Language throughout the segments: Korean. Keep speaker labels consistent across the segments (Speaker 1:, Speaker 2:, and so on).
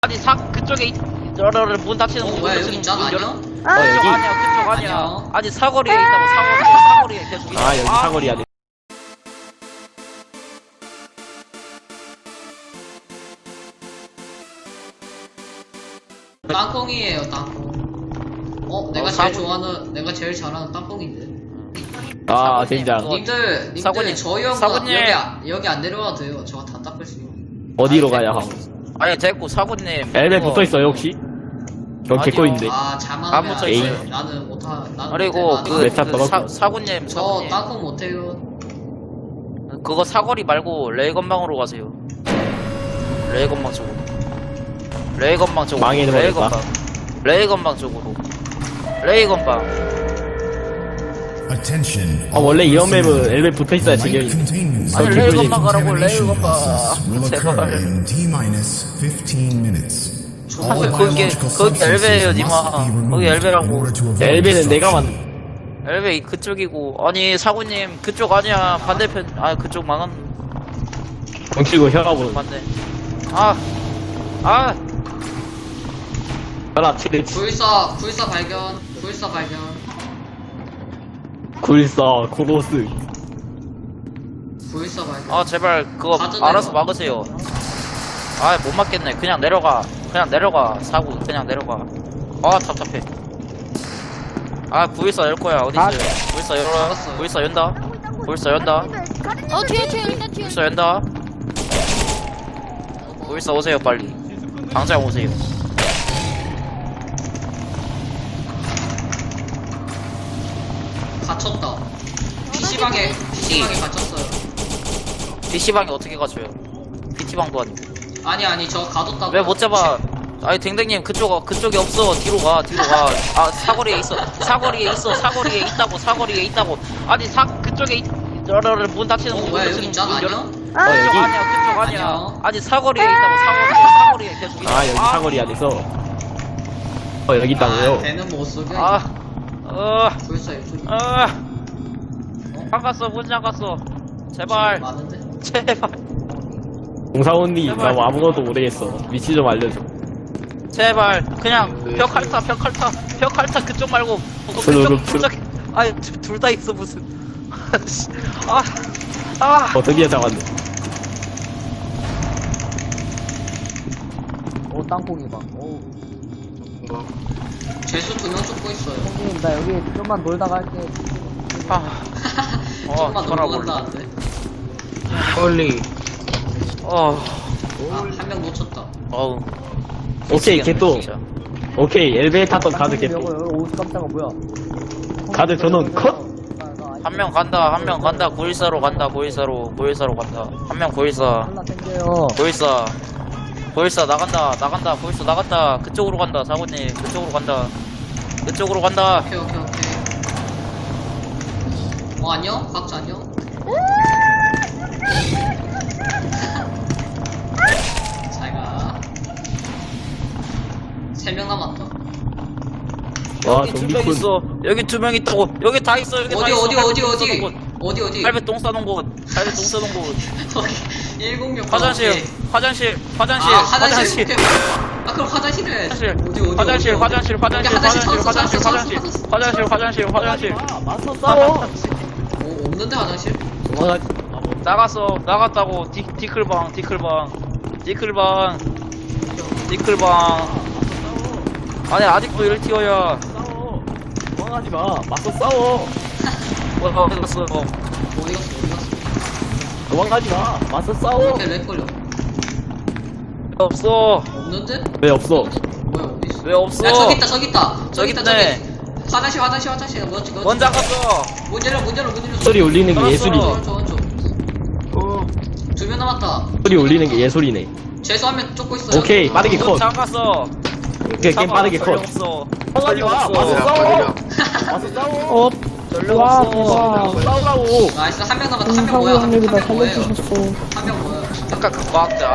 Speaker 1: 아니 그쪽에 저러를 문 닫히는 문
Speaker 2: 뭐야, 여기
Speaker 1: 닫히는
Speaker 2: 있잖아,
Speaker 1: 문 열어.
Speaker 2: 아니야?
Speaker 1: 그쪽 아니야 그쪽 아니야.
Speaker 2: 아니야.
Speaker 1: 아니 사거리에 있다고 사거리에 계속 있어.
Speaker 3: 아 여기 사거리 안에
Speaker 2: 땅콩이에요, 땅콩. 내가 제일 좋아하는, 내가 제일 잘하는 땅콩인데.
Speaker 3: 아
Speaker 1: 사부님,
Speaker 3: 젠장
Speaker 1: 그거-
Speaker 2: 님들,
Speaker 1: 사부님,
Speaker 2: 저희 형과
Speaker 1: 사부님.
Speaker 2: 여기 안 내려와도 돼요. 저가 다 닦을 수 있어요.
Speaker 3: 어디로
Speaker 1: 아니,
Speaker 3: 가야
Speaker 1: 됐고.
Speaker 3: 함?
Speaker 1: 아니 됐고 사부님.
Speaker 3: 엘베
Speaker 1: 그거-
Speaker 3: 붙어있어요 혹시? 전
Speaker 1: 아니요.
Speaker 3: 개꺼인데
Speaker 2: 아,
Speaker 1: 안
Speaker 2: 자만하면
Speaker 1: 붙어
Speaker 2: 안
Speaker 1: 있어요.
Speaker 2: 돼. 나는 못하, 나는
Speaker 1: 그리고
Speaker 2: 못해,
Speaker 1: 그,
Speaker 2: 나는.
Speaker 3: 메타 떨어져.
Speaker 1: 사부님
Speaker 2: 저 땅콩 못해요.
Speaker 1: 그거 사거리 말고 레이건방으로 가세요. 레이건방 쪽으로. 레이건방 쪽으로.
Speaker 3: 망해는 버렸다.
Speaker 1: 레이건방 쪽으로. 레이건방.
Speaker 4: Attention.
Speaker 3: 아 원래 이런 맵은 엘베 붙어있어야
Speaker 4: Light
Speaker 3: 지경이
Speaker 4: containment
Speaker 3: 아니,
Speaker 4: zone
Speaker 1: 레이건방 가라고,
Speaker 4: decontamination
Speaker 1: 레이건방.
Speaker 4: process will occur
Speaker 1: 제발.
Speaker 4: in T-15 minutes. All
Speaker 1: 거기-
Speaker 4: biological
Speaker 1: 거기
Speaker 4: substances
Speaker 1: 엘베예요,
Speaker 4: must
Speaker 1: 니마.
Speaker 4: be
Speaker 1: 거기
Speaker 4: removed
Speaker 1: 엘베라고.
Speaker 4: in order to avoid
Speaker 3: 엘베는 내가
Speaker 4: destruction.
Speaker 3: 만
Speaker 1: 엘베 그쪽이고. 아니 사부님 그쪽 아니야. 반대편. 아 그쪽 망한.
Speaker 3: 덩치고 혈압으로
Speaker 1: 맞네. 아.
Speaker 3: 혈압 치를
Speaker 2: 불사 발견.
Speaker 3: 굴사 코로스
Speaker 2: 불사 발견.
Speaker 1: 아 제발 그거
Speaker 2: 가져내려.
Speaker 1: 알아서 막으세요. 아 못 막겠네. 그냥 내려가. 사고 그냥 내려가. 아 답답해. 아 구일사 열 거야. 어디 있어요? 구일사 열어.
Speaker 2: 알았어요.
Speaker 1: 구일사 연다. 구일사 연다.
Speaker 5: 뒤에 일단 뒤에.
Speaker 1: 구일사 연다. 구일사 오세요 빨리. 당장 오세요.
Speaker 2: 갇혔다. PC방에 갇혔어요.
Speaker 1: PC방에 어떻게 가줘요? PT방도 아니고.
Speaker 2: 아니, 저 가뒀다고.
Speaker 1: 왜 못 잡아? 아니 댕댕님 그쪽에 없어. 뒤로 가. 아 사거리에 있어. 사거리에 있다고. 아니 그쪽에 저러를 문 닫히는 문
Speaker 2: 뭐야, 여기
Speaker 1: 닫히는
Speaker 2: 있잖아,
Speaker 1: 문 열어.
Speaker 2: 아니야?
Speaker 1: 그쪽
Speaker 3: 여기?
Speaker 1: 아니야 그쪽 아니야.
Speaker 2: 아니요.
Speaker 1: 아니 사거리에 있다고 사거리에 계속 있어.
Speaker 3: 아 여기 사거리 안에서 여기 있다고요?
Speaker 2: 배는 못 속여. 불사 이쪽이.
Speaker 1: 잠갔어 문 잠갔어. 제발
Speaker 2: 많은데?
Speaker 3: 공사원님 나
Speaker 1: 제발.
Speaker 3: 뭐 아무것도 모르겠어 위치 좀 알려줘
Speaker 1: 제발 그냥 벽할타 그쪽 말고
Speaker 3: 스르륵
Speaker 1: 그쪽. 아니 둘 다 있어 무슨.
Speaker 3: 드디어 잡았네
Speaker 6: 오 땅콩이 봐. 오
Speaker 2: 죄수 2명 쫓고 있어요.
Speaker 6: 형님 나 여기 좀만 놀다가 할게.
Speaker 2: 조금만 놀고
Speaker 1: 돌아볼래.
Speaker 2: 간다는데.
Speaker 3: 헐리
Speaker 2: 한 명 놓쳤다.
Speaker 1: 어우.
Speaker 3: 오케이 걔또
Speaker 1: 진짜.
Speaker 3: 오케이 엘베 탔던 가드
Speaker 6: 땅콩이
Speaker 3: 걔또
Speaker 6: 여기 오 깜짝아 뭐야?
Speaker 3: 가드 전원 컷
Speaker 1: 한 명 간다. 914로 간다. 914로 간다. 한 명 914.
Speaker 6: 하나 땡겨요.
Speaker 1: 914 나간다. 914 나갔다. 그쪽으로 간다. 사고님 그쪽으로 간다.
Speaker 2: 오케이. 안녕? 각자 안녕? 잘가. 3명 남았다.
Speaker 3: 와
Speaker 1: 여기 2명
Speaker 3: 좀비군
Speaker 1: 있어. 여기 2명 있다고. 여기 다 있어. 여기 다 있어.
Speaker 2: 어디?
Speaker 1: 할배 똥 싸놓은 곳.
Speaker 2: 저기 106
Speaker 1: 화장실.
Speaker 2: 화장실. 오케이. 아 그럼 화장실을 해야지.
Speaker 1: 화장실.
Speaker 2: 여기
Speaker 1: 화장실.
Speaker 3: 맞서 싸워
Speaker 2: 없는데 화장실?
Speaker 3: 도망가지
Speaker 1: 나갔다고. 디클방. 아니 아직도 1티어야.
Speaker 3: 도망가지마 맞서 싸워
Speaker 1: 어디 갔어?
Speaker 2: 어디 갔어?
Speaker 3: 도망가지마 맞서 싸워
Speaker 2: 이렇게 렉 걸려.
Speaker 1: 없어.
Speaker 2: 없는데?
Speaker 3: 왜 없어
Speaker 2: 뭐야 어디 있어?
Speaker 1: 왜 없어?
Speaker 2: 야 저기 있다.
Speaker 1: 저기 있네.
Speaker 2: 화장실. 뭐지?
Speaker 1: 먼저 갔어.
Speaker 2: 문 열어.
Speaker 3: 소리 울리는 게
Speaker 1: 알았어.
Speaker 3: 예술이네
Speaker 2: 왼쪽. 2명 남았다.
Speaker 3: 소리 울리는 게 예술이네
Speaker 2: 죄수 한 명 쫓고 있어요.
Speaker 3: 오케이 빠르게 컷
Speaker 1: 잠갔어.
Speaker 3: 오케이 게임 빠르게 컷
Speaker 1: 없어.
Speaker 3: 도망가지마 맞서 싸워 맞서 싸워
Speaker 1: 전력 없어.
Speaker 3: 싸우라고
Speaker 2: 나이스 한 명 남았다. 한 명 뭐야? 한 명 뭐예요? 한 명 뭐야?
Speaker 1: 아까 그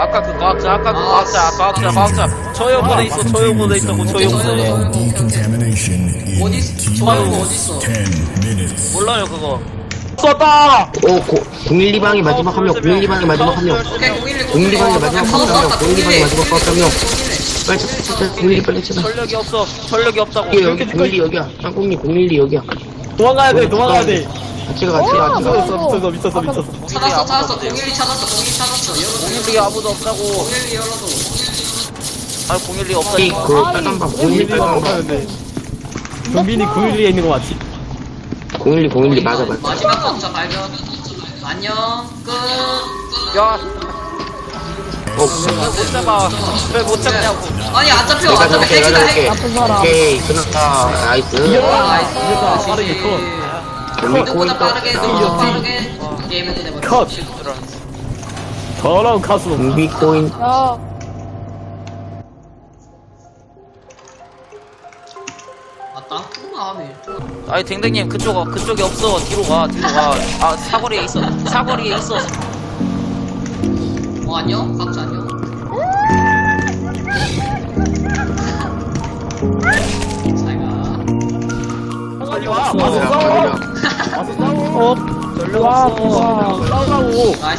Speaker 1: 과학자. 저형보다 있어. 저형보다.
Speaker 4: Decontamination in
Speaker 2: 어디 있어? 어디 있어?
Speaker 4: T-10 minutes.
Speaker 1: 몰라요 그거.
Speaker 3: 썼다
Speaker 7: 012방이 마지막 한 명, 012방이 마지막 한 명,
Speaker 2: 오케이 011
Speaker 7: 012방이 마지막 한 명, 012방이 마지막 한 명.
Speaker 3: 빨리 찾아. 012 빨리 찾아.
Speaker 1: 전력이 없어. 전력이 없다고.
Speaker 3: 여기 여기 012 여기야. 땅콩님 012 여기야.
Speaker 6: 도망가야 돼, 도망가야 돼.
Speaker 3: 같이 가 같이 가.
Speaker 6: 미쳤어.
Speaker 2: 찾았어 012 찾았어 열어줘
Speaker 1: 012 아무도 없다고.
Speaker 2: 012 열어줘
Speaker 1: 아 012
Speaker 3: 이
Speaker 1: 없다니까.
Speaker 3: 그 빨간 방 012 빨간 방.
Speaker 6: 경빈이 912에 있는 거 맞지?
Speaker 3: 012 맞아 맞아.
Speaker 2: 마지막 각자 발견 안녕 끝
Speaker 1: 야,
Speaker 3: 어,
Speaker 1: 못 잡아. 왜 못 잡냐고.
Speaker 2: 아니 안 잡혀
Speaker 3: 내가
Speaker 2: 안 잡혀
Speaker 3: 잡을게 내가
Speaker 2: 핵이다
Speaker 3: 잡을게.
Speaker 2: 핵
Speaker 6: 나쁜 사람.
Speaker 3: 오케이 끝났다. 나이스.
Speaker 2: 나이스
Speaker 6: 빠르게 컷.
Speaker 2: 누구보다 빠르게 누구보다 빠르게 게임을 끝내버려
Speaker 6: 컷. 더러운 카스로.
Speaker 3: 준비 코인.
Speaker 5: 야,
Speaker 2: 아 땅콩아 하면
Speaker 1: 아니 댕댕님 그쪽에 없어. 뒤로 가. 아 사거리에 있어.
Speaker 2: 안녕 각자 안녕 잘가
Speaker 6: 빨리 와. 와서 싸워. 와서 싸워.
Speaker 1: 전력 없어.
Speaker 6: 싸우라고.
Speaker 2: 나이스